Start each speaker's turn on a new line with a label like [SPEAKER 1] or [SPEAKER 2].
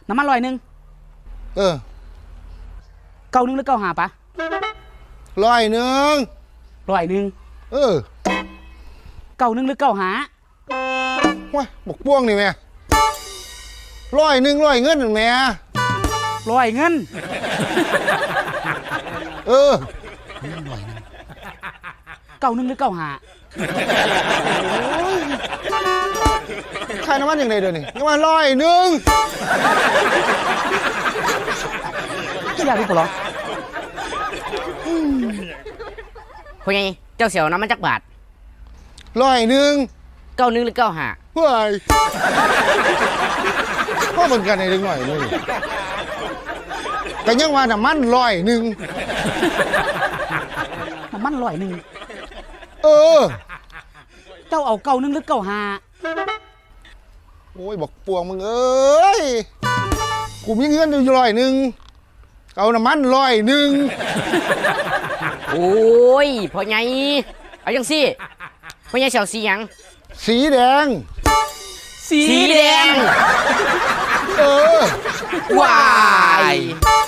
[SPEAKER 1] น้ำมัน100
[SPEAKER 2] เออ
[SPEAKER 1] 91หรือ95ปะ
[SPEAKER 2] 100
[SPEAKER 1] 100
[SPEAKER 2] เออ
[SPEAKER 1] 91หรือ95
[SPEAKER 2] ว้ายบกป้วงนี่แม่100เงินแม่
[SPEAKER 1] 100เงิน
[SPEAKER 2] เออ
[SPEAKER 1] 91หรือ95
[SPEAKER 2] ใครน้ำมันอย่างไรเดี๋ยวนี้ยังมา100
[SPEAKER 1] อยากรู้ปะหรอ
[SPEAKER 3] พ่อใหญ่เจ้าเสี่ยวน้ำมันจักบาท
[SPEAKER 2] 100
[SPEAKER 3] 91หรือ95
[SPEAKER 2] เฮ้ยพ่อเหมือนกันในเด็กหน่อยนี่แต่ยังว่าน้ำมัน100
[SPEAKER 1] น้ำมัน100
[SPEAKER 2] เออ
[SPEAKER 1] เจ้าเอา91หรือ95
[SPEAKER 2] โอ้ยบอกปวงมึงเอ้ยกูมีเงินอยู่100เอาน้ำมัน100
[SPEAKER 3] โอ้ยพ่อใหญ่เอาจังสิพ่อใหญ่เสี่ยวสีหยัง
[SPEAKER 2] สีแดง
[SPEAKER 3] สีแดง
[SPEAKER 2] เออ
[SPEAKER 3] ว้าย